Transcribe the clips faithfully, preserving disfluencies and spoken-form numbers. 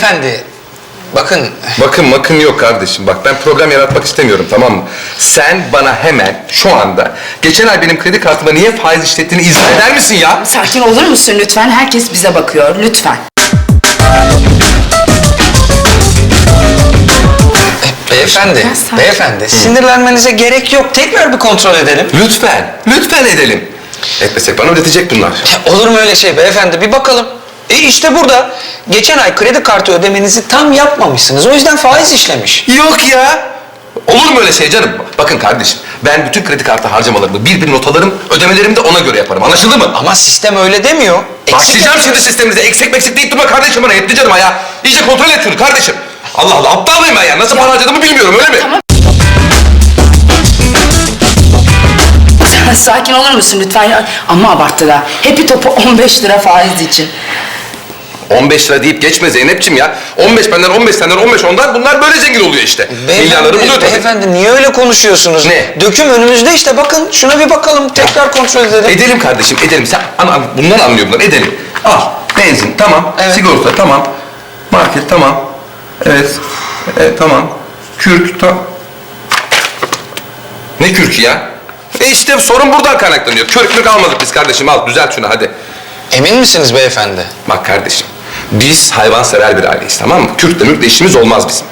beyefendi, bakın... Bakın bakın yok kardeşim. Bak ben problem yaratmak istemiyorum, tamam mı? Sen bana hemen şu anda geçen ay benim kredi kartıma niye faiz işlettiğini izah eder misin ya? Sakin olur musun lütfen? Herkes bize bakıyor, lütfen. Beyefendi, sakin. beyefendi, sinirlenmenize gerek yok. Tekrar bir kontrol edelim. Lütfen, lütfen edelim. Etmesek bana ödetecek bunlar. Ya, olur mu öyle şey beyefendi? Bir bakalım. E işte burada. Geçen ay kredi kartı ödemenizi tam yapmamışsınız. O yüzden faiz işlemiş. Yok ya. Olur mu öyle şey canım? Bakın kardeşim, ben bütün kredi kartı harcamalarımı bir bir not alırım, ödemelerimi de ona göre yaparım. Anlaşıldı mı? Ama sistem öyle demiyor. Eksik Başlayacağım şimdi sistemimize. Eksik meksik deyip durma kardeşim bana. Yetti canım ya. İyice kontrol et şunu kardeşim. Allah Allah, aptal mıyım ben ya? Nasıl para harcadığımı bilmiyorum, öyle mi? Tamam. Sakin olur musun lütfen? Ya? Ama abarttılar. Hepi topu on beş lira faiz için. on beş lira deyip geçme Zeynep'ciğim ya. on beş benden, on beş senden, on beş ondan, bunlar böyle zengin oluyor işte. Milyarları buluyor tabii. Beyefendi niye öyle konuşuyorsunuz? Ne? Döküm önümüzde işte, bakın şuna bir bakalım, tekrar kontrol edelim. Edelim kardeşim, edelim. Sen an, an, bundan anlıyor bunlar, edelim. Al, benzin, tamam. Evet. Sigorta, tamam. Market, tamam. Evet, evet tamam. Kürk, tamam. Ne kürkü ya? E işte sorun buradan kaynaklanıyor. Kürk mürk almadık biz kardeşim, al düzelt şunu hadi. Emin misiniz beyefendi? Bak kardeşim, biz hayvansever bir aileyiz, tamam mı? Kürkle mürkle işimiz olmaz bizim.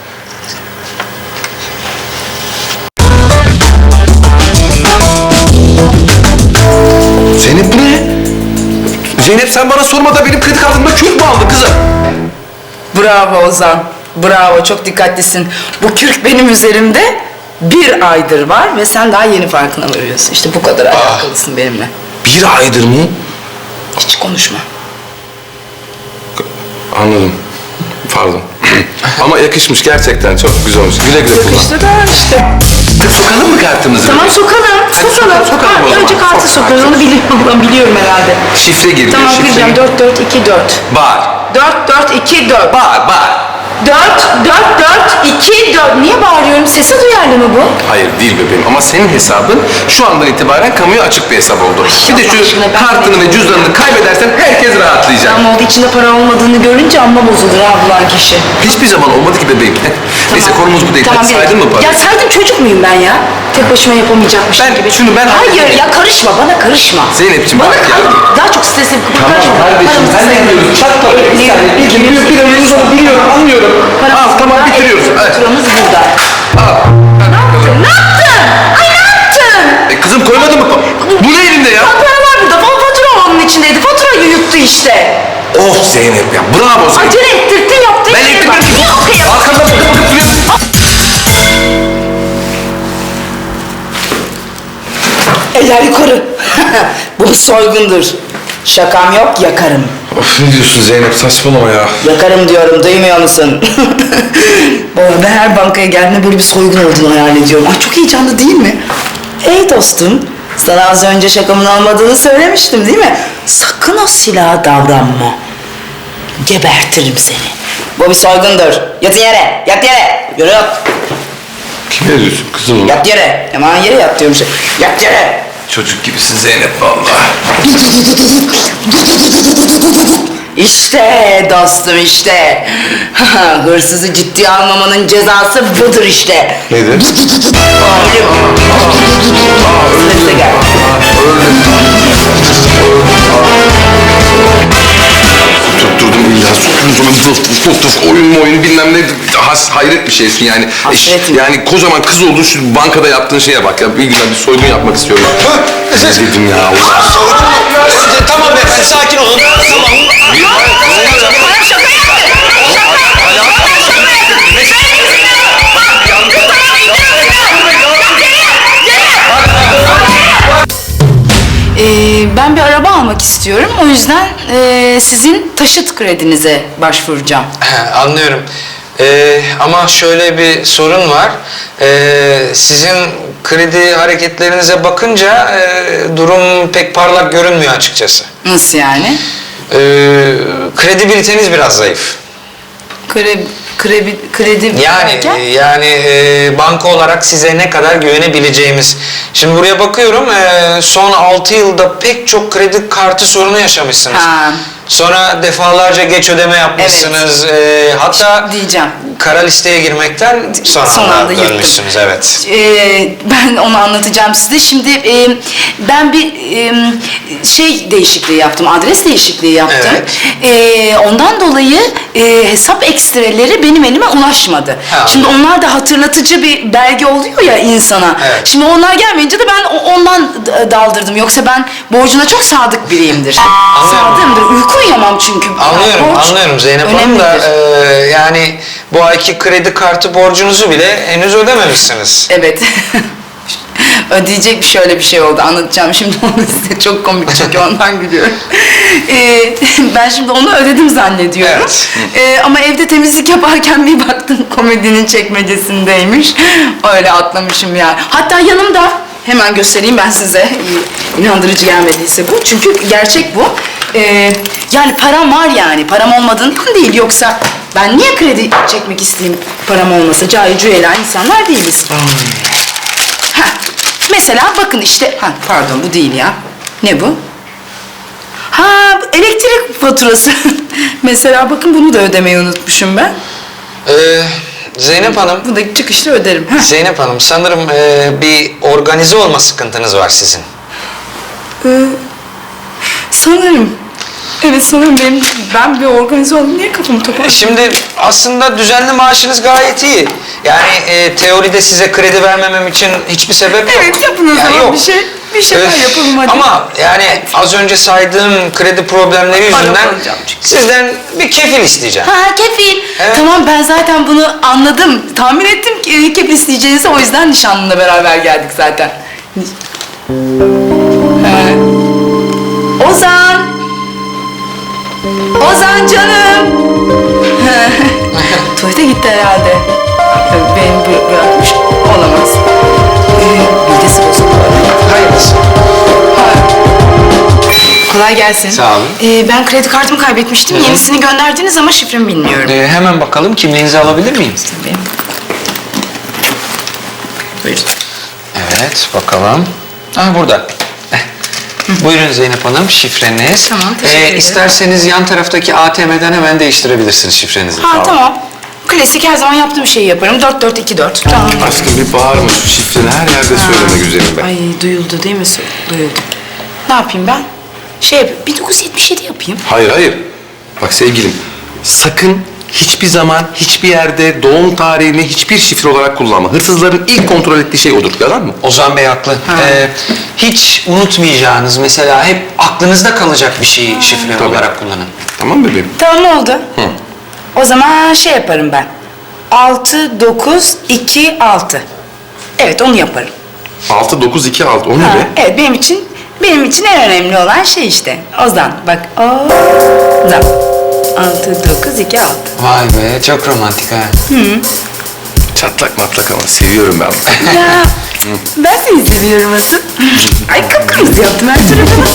Zeynep bu ne? Zeynep sen bana sormadan benim kredi kartımda kürk mü aldın kızım? Bravo Ozan. Bravo, çok dikkatlisin. Bu kürk benim üzerimde bir aydır var ve sen daha yeni farkına varıyorsun. İşte bu kadar alakalısın benimle. Bir aydır mı? Hiç konuşma. Anladım. Pardon. Ama yakışmış gerçekten, çok güzel olmuş. Güle güle kullan. Yakıştı da işte. Sokalım mı kartımızı? Tamam sokalım, sokalım. sokalım o Ha, zaman. önce kartı Sok sokuyoruz, onu biliyorum, biliyorum herhalde. Şifre giriyor, Tamam şifre. gireceğim, dört dört iki dört. Bağır, dört dört iki dört. bağır, bağır. dört dört dört iki dört. Niye bağırıyorum? Sese duyarlı mı bu? Hayır değil bebeğim ama senin hesabın şu andan itibaren kamuya açık bir hesap oldu. Bir de Allah şu aşkına ben kartını ve de- cüzdanını kaybedersen herkes rahatlayacak. Ama oldu, içinde para olmadığını görünce amma bozulur ha bulan kişi. Hiçbir zaman olmadı ki bebeğim. Neyse konumuz bu değil. Hadi bir- saydın mı parayı? Ya saydım, çocuk muyum ben ya? Tek başıma yapamayacakmışım Ben- gibi. şunu ben Hayır halledeyim. ya, karışma, bana karışma. Zeynepciğim, bana bak ya. kar- Daha çok stresli bir Tamam karışma. kardeşim, Paramızı sen de sayalım. biliyorsun. Çat tabii. Bir Biliyorum, saniye. Bir, biliyorum. bir, bir önümüz onu biliyorum, anlıyorum. Paramız Al tamam burada, bitiriyoruz. evet, Evet. Faturamız burada. Al. Ne yaptın? Ne yaptın? Ay ne yaptın? E kızım koymadın mı? Bu ne elinde ya? Paralar burada. Fa- Fatura onun içindeydi. Faturayı yuttu işte. Of Zeynep ya, bravo Zeynep. Acele ettirttin, yaptın. Ben şeye bak. ettirmedim. Yok ya. Arkamda bakıp bakıp duruyorsun. Eller yukarı. Bu bir soygundur. Şakam yok, yakarım. Of ne diyorsun Zeynep, saçmalama ya. Yakarım diyorum, duymuyor musun? Baba, ben her bankaya geldiğimde böyle bir soygun olduğunu hayal ediyorum. Ay çok heyecanlı değil mi? Ey dostum, sana az önce şakamın olmadığını söylemiştim değil mi? Sakın o silaha davranma. Gebertirim seni. Bu bir soygundur. Yatın yere, yat yere. Yürü yat. Kime diyorsun kızım? Yat yere. Hemen yere yat diyorum şey. Yat yere. Çocuk gibisin Zeynep vallahi. İşte dostum işte. Hırsızı ciddiye almamanın cezası budur işte. Nedir? Sesle gel. Tutturdum illa tutturdum onu puf oyun mu oyun bilmem ne has, hayret bir şeysin yani. Hasretim. Yani kocaman kız oldu şu bankada yaptığın şeye bak ya, bir güzel bir soygun yapmak istiyorum. Ne dedim ya Allah. Tamam beyefendi, sakin olun. Tamam. Ee, ben bir araba almak istiyorum. O yüzden e, sizin taşıt kredinize başvuracağım. Anlıyorum. Ee, ama şöyle bir sorun var. Ee, sizin kredi hareketlerinize bakınca e, durum pek parlak görünmüyor açıkçası. Nasıl yani? Ee, kredibiliteniz biraz zayıf. Kredi, kredi, kredi Yani derken? yani e, banka olarak size ne kadar güvenebileceğimiz. Şimdi buraya bakıyorum, e, son altı yılda pek çok kredi kartı sorunu yaşamışsınız. Ha. Sonra defalarca geç ödeme yapmışsınız. Ee, hatta Diyeceğim. kara listeye girmekten son, Son anda, anda yırttım. dönmüşsünüz. Evet. Ee, ben onu anlatacağım size. Şimdi e, ben bir e, şey değişikliği yaptım, adres değişikliği yaptım. Evet. Ee, ondan dolayı e, hesap ekstreleri benim elime ulaşmadı. Ha. Şimdi onlar da hatırlatıcı bir belge oluyor ya insana. Evet. Şimdi onlar gelmeyince de ben o- ondan d- daldırdım. Yoksa ben borcuna çok sadık biriyimdir. Sadığımdır. Uyku uyuyamam çünkü. Anlıyorum, Borç anlıyorum Zeynep Hanım da önemlidir. e, yani bu ayki kredi kartı borcunuzu bile henüz ödememişsiniz. Evet. Ödeyecek bir şöyle bir şey oldu. Anlatacağım şimdi onu size. Çok komik çünkü ondan gülüyorum. Ee, ben şimdi onu ödedim zannediyorum. Evet. Ee, ama evde temizlik yaparken bir baktım komedinin çekmecesindeymiş. Öyle atlamışım yani. Hatta yanımda hemen göstereyim ben size. İnandırıcı gelmediyse bu. Çünkü gerçek bu. Ee, yani param var yani. Param olmadığından değil. Yoksa ben niye kredi çekmek isteyeyim param olmasa? Cahil cüela insanlar değiliz. Ha, mesela bakın işte, ha pardon bu değil ya. Ne bu? Ha, elektrik faturası. Mesela bakın bunu da ödemeyi unutmuşum ben. Ee, Zeynep Hanım, Bunu da çıkışta öderim. Ha. Zeynep Hanım sanırım e, bir organize olma sıkıntınız var sizin. Ee, sanırım. Evet sanırım benim, ben bir organize oldum. Niye kafamı toparladım? Şimdi aslında düzenli maaşınız gayet iyi. Yani e, teoride size kredi vermemem için hiçbir sebep yok. Evet yapın o Yani zaman yok. bir şey. Bir şeyler Öf, yapalım hadi. Ama yani az önce saydığım kredi problemleri Para yüzünden alacağım çünkü. sizden bir kefil isteyeceğim. Ha kefil. Evet. Tamam ben zaten bunu anladım. Tahmin ettim ki kefil isteyeceğinizi, o yüzden nişanlımla beraber geldik zaten. Ha. Ozan! Ozan canım! Ha. Tuvalete gitti herhalde. Beni bı- bırakmış olamaz. Ee, bilgisi bozuldu. Hayırlısı. Kolay gelsin. Sağ olun. Ee, ben kredi kartımı kaybetmiştim. Yenisini gönderdiniz ama şifremi bilmiyorum. Ee, hemen bakalım kimliğinizi alabilir miyim? Tabii. Buyurun. Evet bakalım. Ah burada. Eh, Buyurun Zeynep Hanım şifreniz. Tamam, teşekkür ederim. İsterseniz yan taraftaki A T M'den hemen değiştirebilirsiniz şifrenizi. Ha tamam. Klasik her zaman yaptığım şeyi yaparım. Dört dört iki dört. Tamam. Aşkım bir bağırma şu şifreni her yerde söyleme güzelim be. Ay duyuldu değil mi? Duyuldu. Ne yapayım ben? Şey yapayım. bin dokuz yüz yetmiş yedi yapayım. Hayır hayır. Bak sevgilim sakın hiçbir zaman hiçbir yerde doğum tarihini hiçbir şifre olarak kullanma. Hırsızların ilk kontrol ettiği şey odur. Yalan mı? Ozan Bey haklı. Ee, hiç unutmayacağınız mesela hep aklınızda kalacak bir şeyi şifre Tabii. olarak kullanın. Tamam bebeğim. Tamam oldu. O zaman şey yaparım ben. Altı dokuz iki altı. Evet onu yaparım. altı dokuz iki altı o ne Ha, be? evet benim için benim için en önemli olan şey işte. Ozan bak. Ozan. Altı dokuz iki altı. Vay be çok romantik ha. Çatlak matlak ama seviyorum ben. Ya ben seni seviyorum asıl. Ay kıpkırmızı yaptım her tarafını.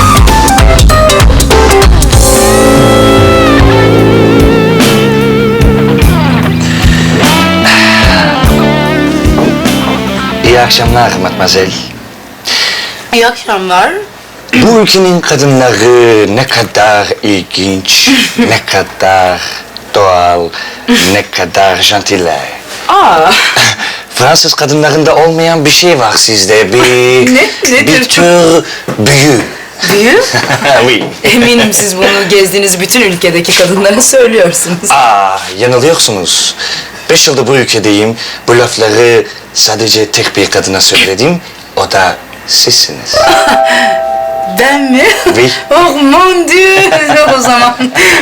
İyi akşamlar Matmazel. İyi akşamlar. Bu ülkenin kadınları ne kadar ilginç, ne kadar doğal, ne kadar jantiler. Aa. Fransız kadınlarında olmayan bir şey var sizde. Bir, Ne? Nedir? bir tür büyü. Büyü? oui. Eminim siz bunu gezdiğiniz bütün ülkedeki kadınlara söylüyorsunuz. Aa, yanılıyorsunuz. Beş yıldır bu ülkedeyim. Bu lafları sadece tek bir kadına söyledim. O da sizsiniz. Ben mi? Oui. Oh mon dieu! O zaman.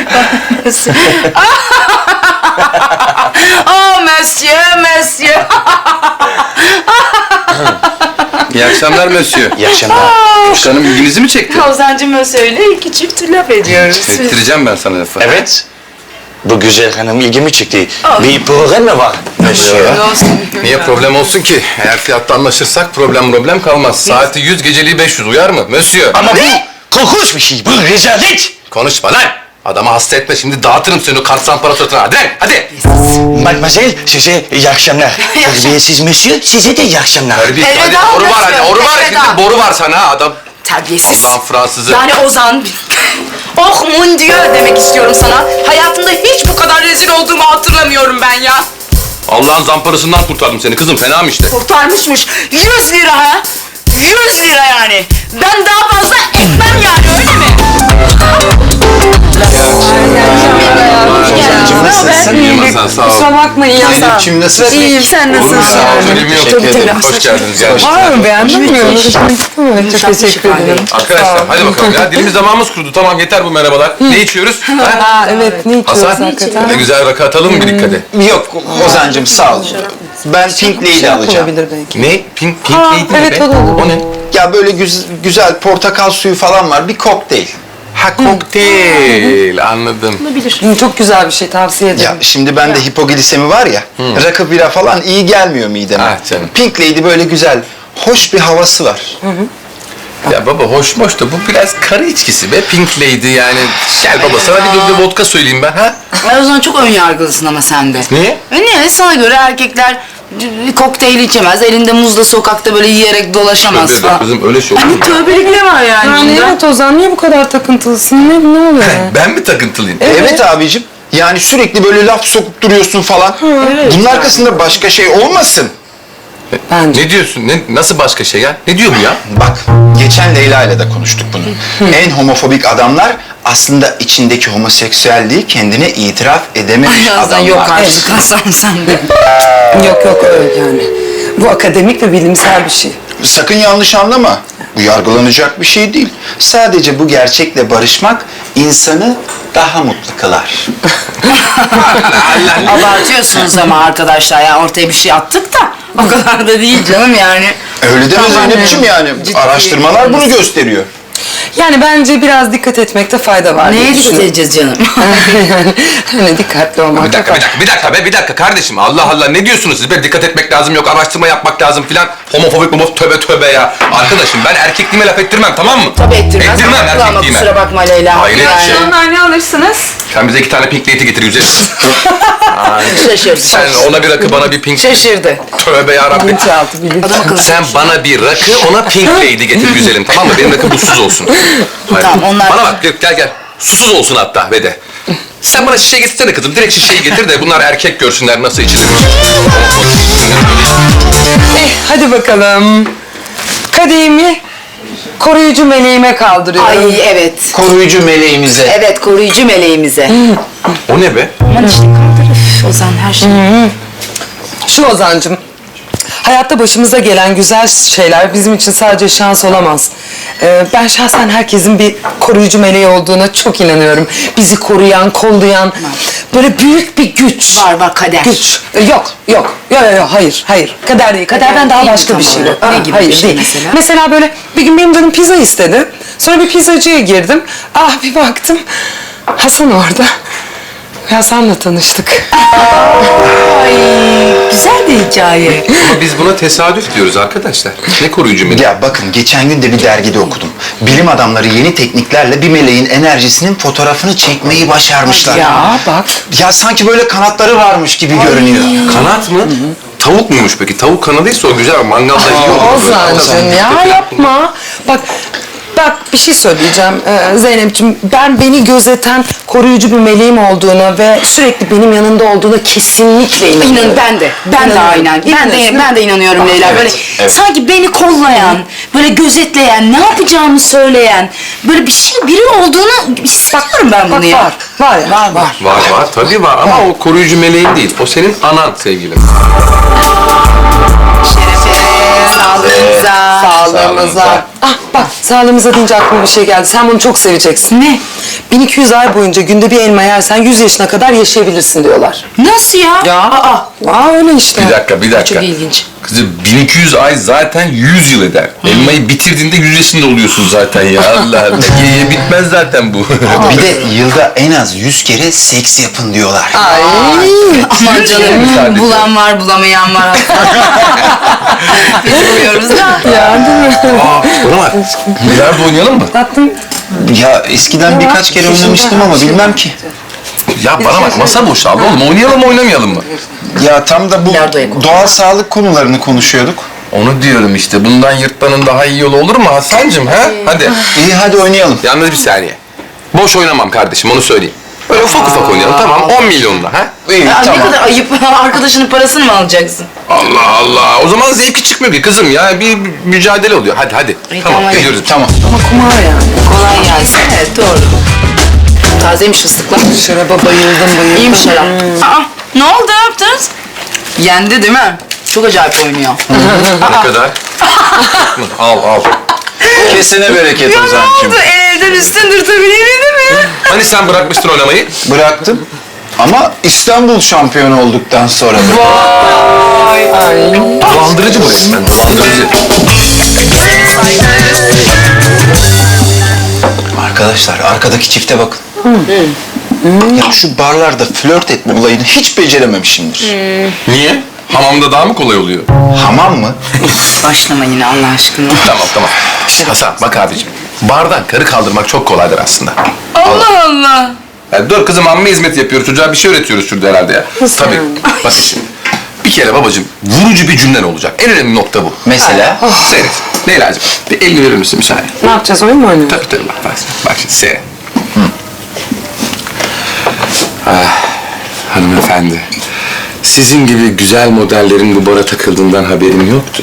oh monsieur, monsieur. İyi akşamlar Mösyö. İyi akşamlar. Canım ilginizi mi çekti? Ozan'cığım Mösyö'yle iki çift laf ediyoruz. Ettireceğim ben sana lafı. Evet. Bu güzel hanım ilgimi çekti. Oh. Bir problem mi var? Monsieur? Niye problem olsun ki? Eğer fiyatta anlaşırsak problem problem kalmaz. Saati yüz, geceliği beş yüz uyar mı? Mösyö. Ama bu korkunç bir şey. Bu rezalet. Konuşma lan! Adamı hasta etme şimdi dağıtırım seni o kart samparatörüne. Hadi lan, hadi! Mademoiselle size iyi akşamlar. Terbiyesiz monsieur size de iyi akşamlar. Hadi, hadi, Elveda boru var Mösyö, hadi, boru var elveda. şimdi boru var sana ha adam. Terbiyesiz. Allah'ın Fransızı. Yani Ozan Oh mon dieu demek istiyorum sana. Hayatımda hiç bu kadar rezil olduğumu hatırlamıyorum ben ya. Allah'ın zamparasından kurtardım seni kızım. Fena mı işte? Kurtarmışmış. yüz lira ha. yüz lira yani. Ben daha fazla etmem yani öyle mi? Ozan'cığım nasılsın? İyiyim Hasan sağ ol. Kusura bakmayın ya. Zeynep'ciğim nasılsın? İyiyim, sen Olur mu nasılsın? sağ ol? Önemi yok. Teşekkür ederim. Hoş geldiniz. Geldiniz. Var mı beğendin mi? Evet, çok teşekkür ederim. Arkadaşlar hadi bakalım ya. Dilimiz damağımız kurudu. Tamam yeter bu merhabalar. Ne içiyoruz? Ha? Aa evet, ne içiyoruz Hasan hakikaten? ne güzel rakı atalım mı birlikte de? Yok Ozan'cığım sağ ol. Ben Pink Lady alacağım. Olabilir belki. Ne? Pink, pink Aa, lady mi evet, be? o da olur. O ne? Ya böyle güz- güzel portakal suyu falan var. Bir kokteyl. Ha kokteyl. Anladım. Hı, Çok güzel bir şey, tavsiye ederim. Ya şimdi bende hipoglisemi var ya. Rakı bira falan iyi gelmiyor mideme. Ah canım. Pink Lady böyle güzel. Hoş bir havası var. Ya baba hoş hoş da bu biraz karı içkisi be. Pink lady yani. Gel baba sana bir de vodka söyleyeyim ben ha. Ay o zaman çok ön yargılısın ama sen de. Niye? E niye? Sana göre erkekler c- kokteyl içemez. Elinde muzla sokakta böyle yiyerek dolaşamaz Tövbe de falan. kızım öyle şey olur mu? Tövbelik ne var yani? Yani bunda? evet Ozan, niye bu kadar takıntılısın? Ne, ne oluyor? Ben mi takıntılıyım? Evet, abicim. Yani sürekli böyle laf sokup duruyorsun falan. Bunun arkasında başka şey olmasın. Bence. Ne diyorsun? Ne, nasıl başka şey ya? Ne diyor bu ya? Bak, geçen Leyla ile de konuştuk bunu. En homofobik adamlar aslında içindeki homoseksüelliği kendine itiraf edememiş Ay Hasan adamlar. yok artık Hasan sen de. Yok yok öyle yani. Bu akademik ve bilimsel bir şey. Sakın yanlış anlama. Bu yargılanacak bir şey değil. Sadece bu gerçekle barışmak insanı daha mutlu kılar. Abartıyorsunuz ama arkadaşlar ya ortaya bir şey attık da o kadar da değil canım yani. Öyle deme Tamam, Zeynep'ciğim yani. ciddi. Araştırmalar bunu gösteriyor. Yani bence biraz dikkat etmekte fayda var. diye Neye dikkat düşünüyorum. edeceğiz canım? yani hani dikkatli olmak. Bir dakika, bir dakika, bir dakika be, bir dakika kardeşim. Allah Allah ne diyorsunuz siz be? Dikkat etmek lazım, yok araştırma yapmak lazım filan. Homofobik homof tövbe tövbe ya. Arkadaşım ben erkekliğime laf ettirmem tamam mı? Tabii ettirmez. Ettirmem Haklı ama erkekliğime. kusura bakma Leyla. Hayret yani. şey. Onlar ne alırsınız? Sen bize iki tane pink lady getir güzel. Şaşırdı. Sen ona bir rakı bana bir pink. Şaşırdı. Tövbe yarabbim. Bilinçaltı, bilinçaltı. Adam akıllı. Sen bana bir rakı, ona pink lady getir güzelim tamam mı? Benim rakı buzsuz olsun. Hayır. Tamam, onlar- Bana bak gel gel. Susuz olsun hatta ve de. Sen bana şişe getirsene kızım. Direkt şişeyi getir de bunlar erkek görsünler nasıl içilirmiş. Eh, hadi bakalım. Kadehimi koruyucu meleğime kaldırıyorum. Ay evet. Koruyucu meleğimize. Evet koruyucu meleğimize. O ne be? Aman işte kaldır. Üf, Ozan her şey. Şu Ozan'cığım, hayatta başımıza gelen güzel şeyler bizim için sadece şans olamaz. Ee, ben şahsen herkesin bir koruyucu meleği olduğuna çok inanıyorum. Bizi koruyan, kollayan, böyle büyük bir güç. Var var kader. Güç. Ee, Yok, yok. Yok, yok, yok, hayır, hayır. Kader değil. Kaderden Kader daha değil mi başka bir tam şey bu. olarak? Ne Aa, gibi hayır, bir şey değil. mesela? Mesela böyle bir gün benim canım pizza istedi. Sonra bir pizzacıya girdim. Ah bir baktım. Hasan orada. Ve Hasan'la tanıştık. Ay güzel bir hikaye. Ama biz buna tesadüf diyoruz arkadaşlar. Ne koruyucu melek? Ya bakın geçen gün de bir dergide okudum. Bilim adamları yeni tekniklerle bir meleğin enerjisinin fotoğrafını çekmeyi başarmışlar. Ya bak. Ya sanki böyle kanatları varmış gibi görünüyor. Kanat mı? Tavuk muymuş peki? Tavuk kanadıysa o güzel. Mangalda iyi olur. Ozan'cığım ya yapma. Bak bak bir şey söyleyeceğim ee, Zeynep'ciğim. Ben beni gözeten koruyucu bir meleğim olduğuna ve sürekli benim yanında olduğuna kesinlikle inanıyorum. İnan ben de. Ben de İnanıyorum. aynen. Ben de İnanıyorsun, ben de inanıyorum Leyla. evet, Böyle evet. sanki beni kollayan, böyle gözetleyen, ne yapacağımı söyleyen, böyle bir şey biri olduğunu hissediyorum ben bunu Bak ya. var. Var ya. Var var. Var var tabii var ama o koruyucu meleğin değil. O senin anan sevgilim. Sağlığınıza. Sağlığımıza. Ah bak sağlığımıza deyince aklıma bir şey geldi. Sen bunu çok seveceksin. Ne? bin iki yüz ay boyunca günde bir elma yersen yüz yaşına kadar yaşayabilirsin diyorlar. Nasıl ya? Ya. Aa, Aa öyle işte. Bir dakika bir dakika. çok ilginç. Kızım bin iki yüz ay zaten yüz yıl eder. Elmayı bitirdiğinde yüz yaşında oluyorsun zaten ya. Allah Allah. Ye ye bitmez zaten bu. Bir de yılda en az yüz kere seks yapın diyorlar. Ay. Aman Sadece. canım bulan var bulamayan var. Biz umuyoruz da. Ya değil mi? Aa, bana bak. Bilardo oynayalım mı? Tatlım. Ya eskiden birkaç kere oynamıştım ama bilmem ki. Ya bana bak masa boşaldı oğlum. Oynayalım mı oynamayalım mı? Ya tam da bu Bilardoya koy. doğal sağlık konularını konuşuyorduk. Onu diyorum işte. Bundan yırtmanın daha iyi yolu olur mu Hasan'cığım ha? Hadi. İyi hadi oynayalım. Yalnız bir saniye. Boş oynamam kardeşim, onu söyleyeyim. Böyle ufak ufak oynayalım, tamam, on milyonla ha? İyi, Ya tamam. ne kadar ayıp. Arkadaşının parasını mı alacaksın? Allah Allah, o zaman zevki çıkmıyor ki kızım ya, bir mücadele oluyor. Hadi hadi, İyi, tamam, tamam, geliyoruz. Tamam. Ama kumar yani. Kolay gelsin. Evet doğru. Tazeymiş fıstıklar. Şaraba bayıldım bayıldım. İyiymiş şarap. Aa, ne oldu, ne yaptınız? Yendi değil mi? Çok acayip oynuyor. Ne kadar? al al. Kesine bereket Ya ne Ozan'cığım. oldu? Elden üstündür tabii, değil mi? Hani sen bırakmıştın oynamayı? Bıraktım. Ama İstanbul şampiyonu olduktan sonra da. Dolandırıcı bu resmen, dolandırıcı. Arkadaşlar arkadaki çifte bakın. Ya şu barlarda flört etme olayını hiç becerememişimdir. Niye? Hamamda daha mı kolay oluyor? Hamam mı? Başlama yine Allah aşkına. Tamam tamam. Şişt, Hasan bak abicim. Bardan karı kaldırmak çok kolaydır aslında. Allah Allah. Ya dur kızım, amme hizmet yapıyoruz. Çocuğa bir şey öğretiyoruz şurada herhalde ya. Tabii. Bak şimdi. Bir kere babacığım vurucu bir cümlen olacak. En önemli nokta bu. Mesela? Seyret. Leyla'cığım bir elini verir misin müsaade? Ne yapacağız, oyun mu oynuyoruz? Tabii tabii bak bak, bak şimdi seyret. Ah, hanımefendi. Sizin gibi güzel modellerin bu bara takıldığından haberim yoktu.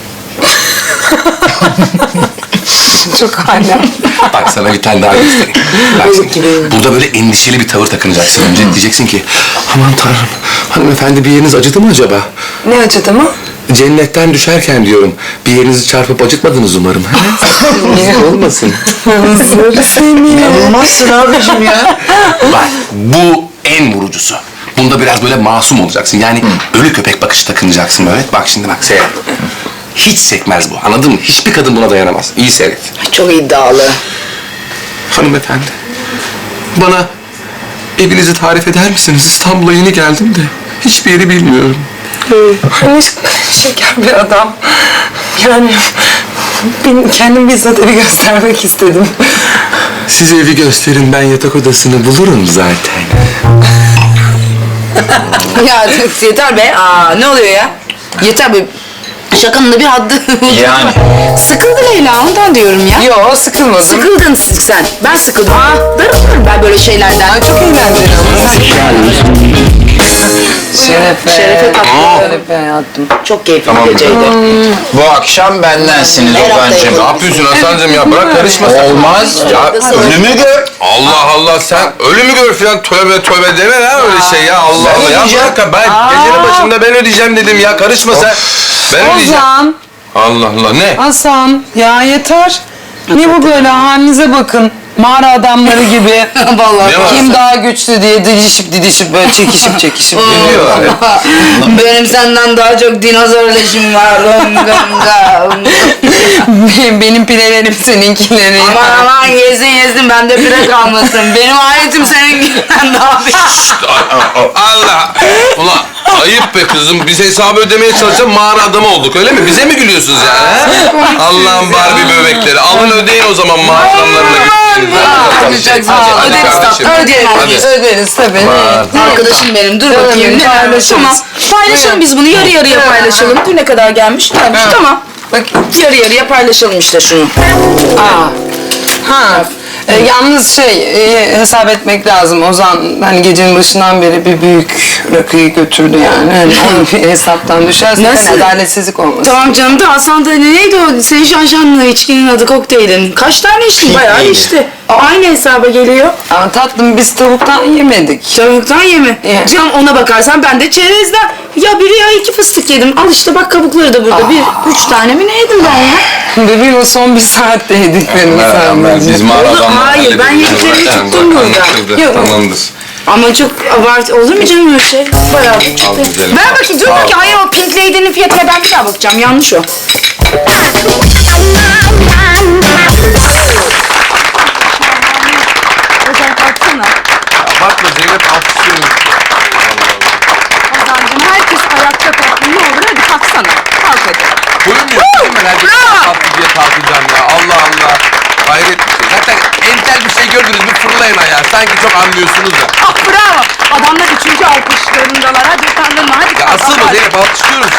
Çok hala. Bak sana bir tane daha göstereyim. Bak şimdi, burada böyle endişeli bir tavır takınacaksın. Önce diyeceksin ki, aman tanrım, hanımefendi bir yeriniz acıdı mı acaba? Ne acıdı mı? Cennetten düşerken diyorum, bir yerinizi çarpıp acıtmadınız umarım. ha? Olmasın. Zır seni. İnanılmazsın abicim ya. Bak, bu en vurucusu. Bunda biraz böyle masum olacaksın. Yani ölü köpek bakışı takınacaksın böyle. Bak şimdi bak, seyret. Hiç sekmez bu, anladın mı? Hiçbir kadın buna dayanamaz. İyi seyret. Çok iddialı. Hanımefendi, bana evinizi tarif eder misiniz? İstanbul'a yeni geldim de hiçbir yeri bilmiyorum. Hani şeker bir adam. Yani ben kendim bizzat evi göstermek istedim. Size evi gösterin, ben yatak odasını bulurum zaten. Ya yeter be. Aa, ne oluyor ya? Yeter be. Şakanın da bir haddi. Yani. Sıkıldı Leyla, ondan diyorum ya. Yo, sıkılmadım. Sıkıldın sen. Ben sıkıldım. Aa, darılırım ben böyle şeylerden. Ay, çok eğlenceli ama. Şerefe. Şerefe tatlı. Şerefe hayatım. Çok keyifli Tamam. bir geceydi. Bu akşam bendensiniz Her hafta Ozan'cığım. Ne yapıyorsun Hasan'cığım ya? Bırak karışma sen. Olmaz. Ya Ölümü gör. Allah Allah, sen ölümü gör filan, tövbe tövbe deme lan öyle şey ya. Allah Ben Allah ya, ödeyeceğim. bırak ben gecenin başında ben ödeyeceğim dedim ya, karışma sen. Ben ödeyeceğim. Ozan, Allah Allah, ne? Hasan, ya yeter. Ne bu böyle, halinize bakın. Mağara adamları gibi. Vallahi. Ne var? Kim daha güçlü diye didişip didişip böyle çekişip çekişip. Ne diyorlar ya? Benim senden daha çok dinozor leşim var. Benim, benim pilelerim seninkileri. Aman aman yesin yesin, bende pire kalmasın. Benim aletim seninkinden daha büyük. Allah! Ulan ayıp be kızım, biz hesabı ödemeye çalışan mağara adamı olduk, öyle mi? Bize mi gülüyorsunuz yani? he? Allah'ın Barbie bebekleri, alın ödeyin o zaman mağara adamlarına gülüyorsunuz. Çok sağ ol. Hadi Öderiz kardeşim. tabii. Ödeyelim. Hadi. Öderiz tabii. Arkadaşım benim, dur Canım bakayım. benim, Ne vermiş? paylaşırız. Tamam. Paylaşalım biz bunu, yarı yarıya paylaşalım. Dur ne kadar gelmiş? Gelmiş, tamam. Bak, Yarı yarıya paylaşalım işte şunu. aa. Ha. E, yalnız şey, e, hesap etmek lazım. Ozan hani gecenin başından beri bir büyük rakıyı götürdü yani. Hani onu bir hesaptan düşerse Nasıl? hani adaletsizlik olmasın. Tamam canım da Hasan da neydi o? Senin şanşanlı içkinin adı, kokteylin. Kaç tane içtin? Bayağı Neydi? içti. Aynı hesaba geliyor. Ama tatlım, biz tavuktan yemedik. Tavuktan yeme. Ye. Canım ona bakarsan ben de çerezden. Ya biri ya iki fıstık yedim. Al işte bak, kabukları da burada. Bir, üç tane mi ne yedim ben ya? Bebeğim, o son bir saatte yediklerimiz sadece. Biz mağara Oğlum, adamlarına hayır, ben hallederiz. yediklerini Zaten tuttum bak, burada. anlaşıldı, Yok. Tamamdır. Ama çok abartı olur mu canım öyle şey? Bayağı bir çıktı. Al güzelim. Ver bakayım, dur bakayım. Hayır, o Pink Lady'nin fiyatına ben bir daha bakacağım. Yanlış o. Ozan kalksana. Bakma Zeynep, alkışlıyorum. Ozancığım, herkes ayakta kalkın. Ne olur hadi kalksana. Kalk hadi. Koymuyorsun ben herkes Bravo. tatlı diye kalkacağım ya. Allah Allah. Hayret bir şey. Zaten entel bir şey gördünüz mü fırlayın ayağa. Sanki çok anlıyorsunuz da. Ah bravo. Adamlar üçüncü alkışlarındalar. Hadi utandırma. Hadi Ya kalk. asılma hadi. Zeynep, alkışlıyoruz.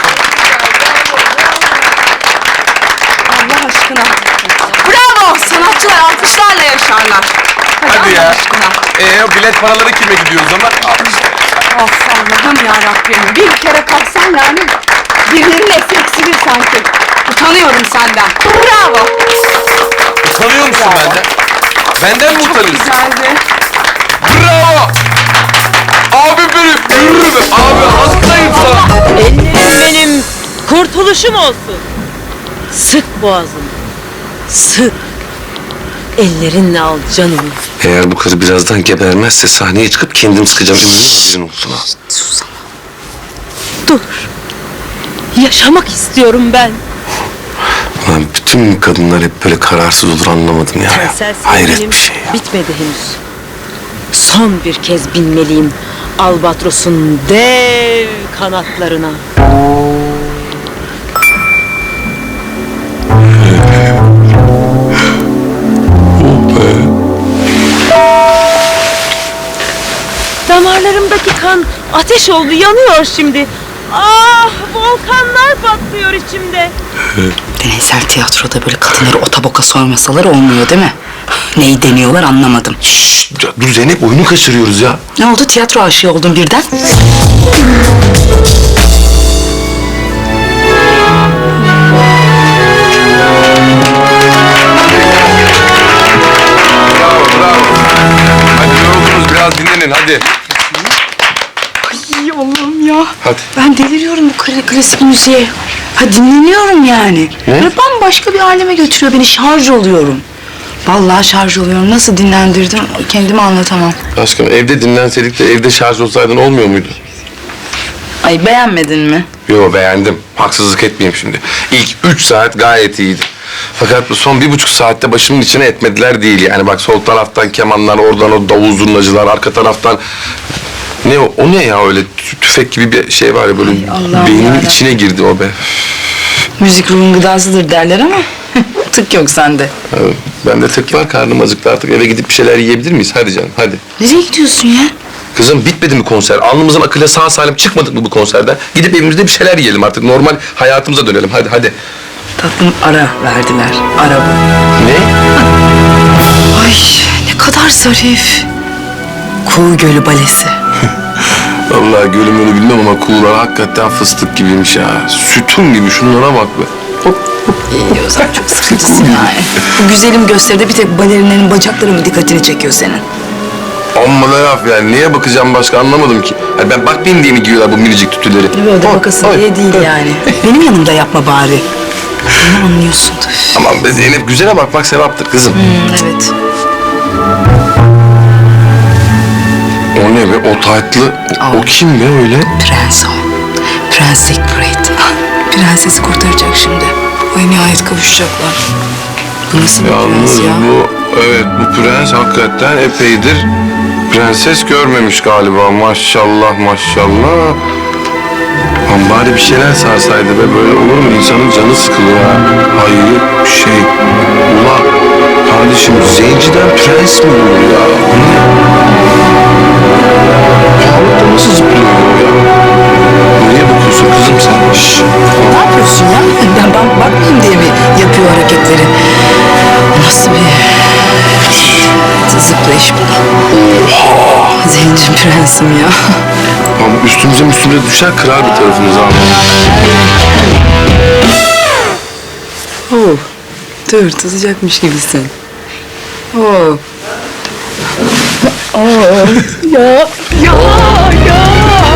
Allah aşkına. Bravo. Sanatçılar alkışlarla yaşarlar. Hadi ya. Ee, o bilet paraları kime gidiyor o zaman? Al işte. Of Allah'ım yarabbim. Bir kere kalksan yani birilerinin nefsi eksilir sanki. Utanıyorum senden. Bravo. Utanıyor musun benden? Benden mi utanıyorsun? Güzeldi. Bravo! Abi benim, yürü be! Abi hastayım sana! Ellerim benim kurtuluşum olsun. Sık boğazını. Sık. Ellerinle al canımı. Eğer bu karı birazdan gebermezse sahneye çıkıp kendim sıkacağım. Ömrüm haberin olsun ha. Dur. Yaşamak istiyorum ben. Ulan bütün kadınlar hep böyle kararsız olur anlamadım ya. Evrensel Hayret sevgilim bir şey ya. bitmedi henüz. Son bir kez binmeliyim Albatros'un dev kanatlarına. Damarlarımdaki kan ateş oldu, yanıyor şimdi. Ah, volkanlar patlıyor içimde. Deneysel tiyatroda böyle kadınları otaboka sormasalar olmuyor değil mi? Neyi deniyorlar anlamadım. Ya dur Zeynep, oyunu kaçırıyoruz ya. Ne oldu, tiyatro aşığı oldun birden? Bravo, bravo. Hadi yoruldunuz, biraz dinlenin hadi. Ay Allah'ım ya. Hadi. Ben deliriyorum bu kla- klasik müziğe. Ha dinleniyorum yani. Ne? Böyle bambaşka bir aleme götürüyor beni, şarj oluyorum. Vallahi şarj oluyorum. Nasıl dinlendirdim kendimi anlatamam. Aşkım evde dinlenseydik de evde şarj olsaydın olmuyor muydu? Ay beğenmedin mi? Yo beğendim. Haksızlık etmeyeyim şimdi. İlk üç saat gayet iyiydi. Fakat bu son bir buçuk saatte başımın içine etmediler değil yani. Bak sol taraftan kemanlar, oradan o davul zurnacılar, arka taraftan... Ne o? O ne ya öyle tü- tüfek gibi bir şey var ya böyle Allah'ım beynimin yarabbim. içine girdi o be. Müzik ruhun gıdasıdır derler ama tık yok sende. Evet, bende tık var, karnım acıktı artık. Eve gidip bir şeyler yiyebilir miyiz? Hadi canım, hadi. Nereye gidiyorsun ya? Kızım bitmedi mi konser? Alnımızın akıyla sağ salim çıkmadık mı bu konserden? Gidip evimizde bir şeyler yiyelim artık. Normal hayatımıza dönelim. Hadi hadi. Tatlım ara verdiler. Ara bu. Ne? Ay ne kadar zarif. Kuğu Gölü Balesi. Vallahi gölüm önü bilmem ama kuğular hakikaten fıstık gibiymiş ya. Sütun gibi, şunlara bak be. Hop, hop. İyi o zaman çok sıkıcısın yani. Bu güzelim gösteride bir tek balerinlerin bacakları mı dikkatini çekiyor senin? Amma da laf yani. Neye bakacağım başka anlamadım ki. Yani ben bakmayayım diye mi giyiyorlar bu minicik tütüleri? Böyle Ay, bakasın ay, diye değil ay. yani. Benim yanımda yapma bari. Bunu anlıyorsundur. Aman be Zeynep, güzele bakmak sevaptır kızım. Hmm, evet. O ne be? O taytlı. O, o kim be öyle? Prens o. Prens Siegfried. Prensesi kurtaracak şimdi. Ay nihayet kavuşacaklar. Bu nasıl bir Yalnız prens ya? bu, evet bu prens hakikaten epeydir prenses görmemiş galiba. Maşallah maşallah. Lan bari bir şeyler sarsaydı be, böyle olur mu? İnsanın canı sıkılıyor ha. Hayret bir şey. Ula kardeşim, zenciden prens mi olur ya? Bu ne? Halıkta nasıl zıplıyor bu ya? Nereye bakıyorsun kızım sen? Şşş. Ne yapıyorsun ya? Ben, ben bakmayayım diye mi yapıyor hareketleri? Nasıl bir zıplayış bu? Oha! Zenci prensim ya. Ama üstümüze üstümüze düşer, kırar bir tarafımızı abi. Oh, dur tutacakmış gibisin. Oh. Oh. Ya. Ya. Ya.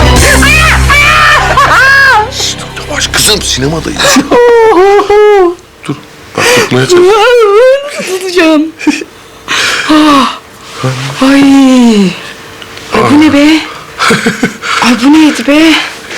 Yavaş kızım, sinemadayız. Dur, bak tutmaya çalış. Tutacağım. Ah. Ay. Ay bu ne be? Ay bu neydi be?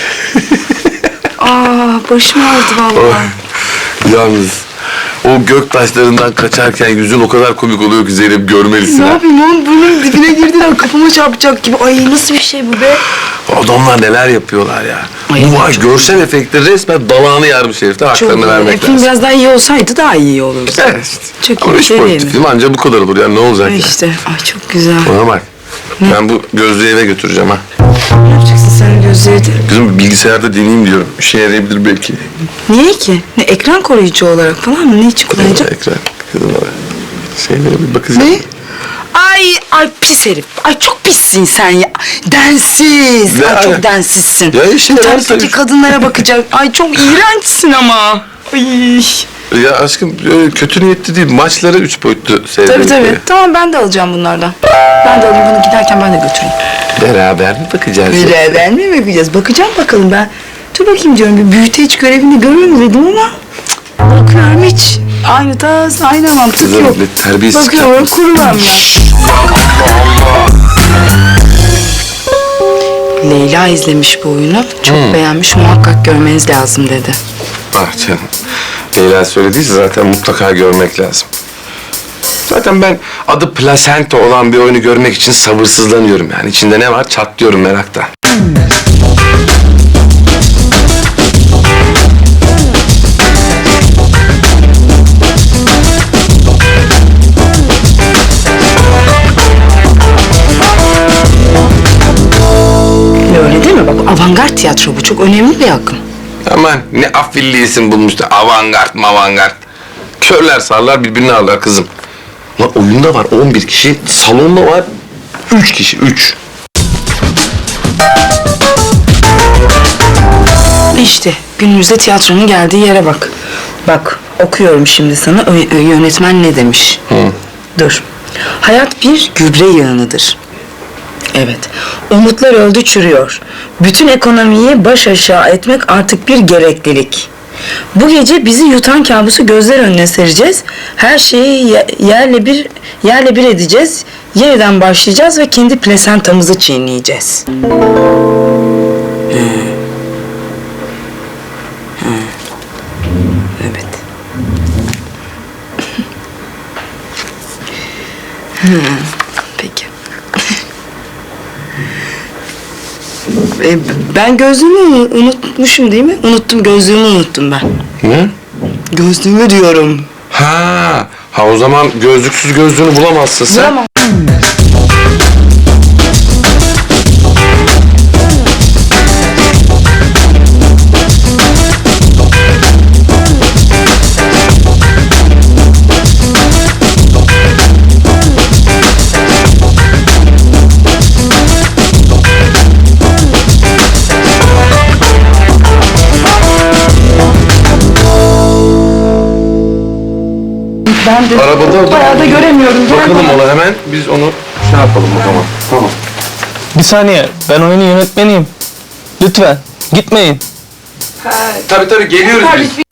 Aa başım ağrıdı vallahi. Yalnız o gök taşlarından kaçarken yüzün o kadar komik oluyor ki Zeynep, görmelisin Ne ha. yapayım oğlum, burnum dibine girdiler, kafama çarpacak gibi. Ay nasıl bir şey bu be? Adamlar neler yapıyorlar ya. Ay, Bu var, çok görsel efektler resmen dalağını yarmış herifte. Haklarını vermek E, film lazım. biraz daha iyi olsaydı daha iyi olurdu. Evet işte. Çok Ama iyi üç şey boyutlu değil mi? film anca bu kadar olur yani, ne olacak Ay ya. işte, ay çok güzel. Bana bak. Ben bu gözlüğü eve götüreceğim ha. Ne yapacaksın sen gözleri de? Kızım bilgisayarda deneyeyim diyorum. İşe yarayabilir belki. Niye ki? Ne ekran koruyucu olarak falan mı? Ne için kullanacak? Ekran. Kızım abi. Şeylere bir bakacağım. Ne? Ay Ay, ay pis herif. Ay çok pissin sen ya. Densiz. Ne Ay ala- çok densizsin. Ya işte ben Utançtaki tabii- kadınlara bakacak. Ay çok iğrençsin ama. Ay. Ya aşkım öyle kötü niyetli değil. Maçları üç boyutlu seyrediyorum. Tabii tabii. Tamam ben de alacağım bunlardan. Ben de alayım bunu giderken ben de götüreyim. Beraber mi bakacağız? Beraber mi bakacağız? Bakacağım bakalım ben. Dur bakayım diyorum bir büyüteç görevini görürüm dedim ama cık, bakıyorum hiç. Aynı tas, aynı mantık Kızım, yok. ne terbiyesiz Bakıyorum yapmışsın. kurumam ya. Leyla izlemiş bu oyunu. Çok beğenmiş. Muhakkak görmeniz lazım dedi. Ah canım. Leyla söylediyse zaten mutlaka görmek lazım. Zaten ben adı Plasenta olan bir oyunu görmek için sabırsızlanıyorum yani. İçinde ne var çatlıyorum meraktan. Öyle değil mi? Bak avantgard tiyatro bu. Çok önemli bir akım. Aman ne afilli isim bulmuştu. Avantgard mavantgard. Körler sağırlar birbirini ağırlar kızım. Lan oyunda var on bir kişi, salonda var üç kişi, üç. İşte günümüzde tiyatronun geldiği yere bak. Bak okuyorum şimdi sana Ö- ö- yönetmen ne demiş. Dur. Hayat bir gübre yığınıdır. Evet. Umutlar öldü çürüyor. Bütün ekonomiyi baş aşağı etmek artık bir gereklilik. Bu gece bizi yutan kabusu gözler önüne sereceğiz. Her şeyi ye- yerle bir yerle bir edeceğiz. Yeniden başlayacağız ve kendi plasentamızı çiğneyeceğiz. Evet. Hı, peki. E, ben gözlüğümü unutmuşum değil mi? Unuttum, gözlüğümü unuttum ben. Ne? Gözlüğümü diyorum. Ha, ha o zaman gözlüksüz gözlüğünü bulamazsın sen. Bulamam. Ben de Arabada bayağı da göremiyorum. Gel bakalım bana. ona hemen. Biz onu şey yapalım o zaman. Tamam. Bir saniye, ben oyunun yönetmeniyim. Lütfen, gitmeyin. Tabii tabii geliyoruz biz.